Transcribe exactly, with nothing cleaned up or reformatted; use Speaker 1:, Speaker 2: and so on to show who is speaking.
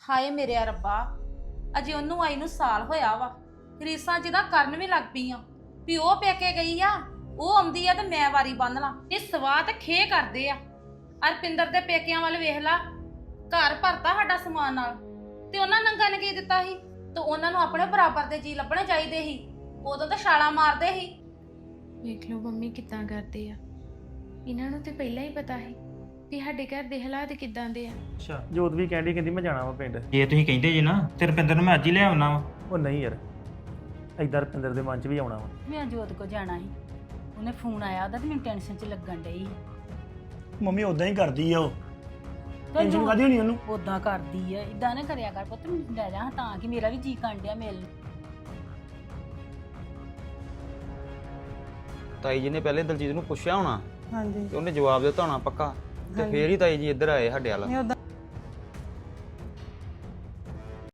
Speaker 1: ਹਾਏ ਮੇਰੇ ਰੱਬਾ, ਅਜੇ ਉਹਨੂੰ ਆਈ ਨੂੰ ਸਾਲ ਹੋਇਆ ਵਾ। ਰੀਸਾਂ ਜਿਹਦਾ ਕਰਨ ਵੀ ਲੱਗ ਪਈ ਆ ਵੀ ਉਹ ਪੇਕੇ ਗਈ ਆ, ਉਹ ਆਉਂਦੀ ਆ ਤੇ ਮੈਂ ਵਾਰੀ ਬੰਨ ਲਾਂ। ਇਹ ਸਵਾਹ ਤੇ ਖੇ ਕਰਦੇ ਆ। ਅਰਪਿੰਦਰ ਦੇ ਪੇਕਿਆਂ ਵੱਲ ਵੇਖ ਲਾ, ਘਰ ਭਰਤਾ ਸਾਡਾ ਸਮਾਨ ਨਾਲ, ਤੇ ਉਹਨਾਂ ਨੰਗਾ ਨੇ ਕੀ ਦਿੱਤਾ ਸੀ? ਤੇ ਉਹਨਾਂ ਨੂੰ ਆਪਣੇ ਬਰਾਬਰ ਦੇ ਜੀ ਲੱਭਣੇ ਚਾਹੀਦੇ ਸੀ। ਉਦੋਂ ਤਾਂ ਛਾਲਾਂ ਮਾਰਦੇ ਸੀ।
Speaker 2: ਵੇਖ ਲਓ ਮੰਮੀ ਕਿੱਦਾਂ ਕਰਦੇ ਆ। ਇਹਨਾਂ ਨੂੰ ਤੇ ਪਹਿਲਾਂ ਹੀ ਪਤਾ ਸੀ ਵੀ ਸਾਡੇ ਘਰ ਦੇ ਹਾਲਾਤ ਕਿੱਦਾਂ ਦੇ ਆ।
Speaker 3: ਅੱਛਾ ਜੋਤ ਵੀ ਕਹਿੰਦੀ ਕਹਿੰਦੀ ਮੈਂ ਜਾਣਾ ਵਾ ਪਿੰਡ।
Speaker 4: ਜੇ ਤੁਸੀਂ ਕਹਿੰਦੇ ਜੀ ਨਾ ਤੇ ਰੁਪਿੰਦਰ ਨੂੰ ਮੈਂ ਅੱਜ ਹੀ ਲੈ ਆਉਣਾ ਵਾ।
Speaker 3: ਉਹ ਨਹੀਂ ਯਾਰ, ਏਦਾਂ ਰੁਪਿੰਦਰ ਦੇ ਮਨ 'ਚ ਵੀ ਆਉਣਾ ਵਾ।
Speaker 1: ਮੈਂ ਜੋਤ ਕੋ ਜਾਣਾ ਸੀ, ਉਹਨੇ ਫੋਨ ਆਇਆ ਉਹਦਾ ਤੇ ਮੈਨੂੰ ਟੈਨਸ਼ਨ 'ਚ ਲੱਗਣ ਡਈ।
Speaker 5: ਮੰਮੀ ਉਦਾਂ ਹੀ ਕਰਦੀ ਆ ਉਹ। ਟੈਨਸ਼ਨ ਕਾਦੀ ਹੋਣੀ ਉਹਨੂੰ?
Speaker 1: ਉਦਾਂ ਕਰਦੀ ਆ, ਇਦਾਂ ਨਾ ਕਰਿਆ ਕਰ ਪੁੱਤ, ਮੈਨੂੰ ਲੈ ਜਾ ਤਾਂ ਕਿ ਮੇਰਾ ਵੀ ਜੀ ਕਰਨ ਡਿਆ ਮਿਲ।
Speaker 6: ਤਾਈ ਜੀ ਨੇ ਪਹਿਲੇ ਦਲਜੀਤ ਨੂੰ ਪੁੱਛਿਆ ਹੋਣਾ
Speaker 7: ਹਾਂਜੀ
Speaker 6: ਤੇ ਉਹਨੇ ਜਵਾਬ ਦਿੱਤਾ ਹੋਣਾ ਪੱਕਾ, ਤੇ ਫੇਰ ਹੀ ਤਾਈ ਜੀ ਇੱਧਰ ਆਏ ਸਾਡੇ ਵੱਲ।
Speaker 7: ਨਹੀਂ ਉਦਾਂ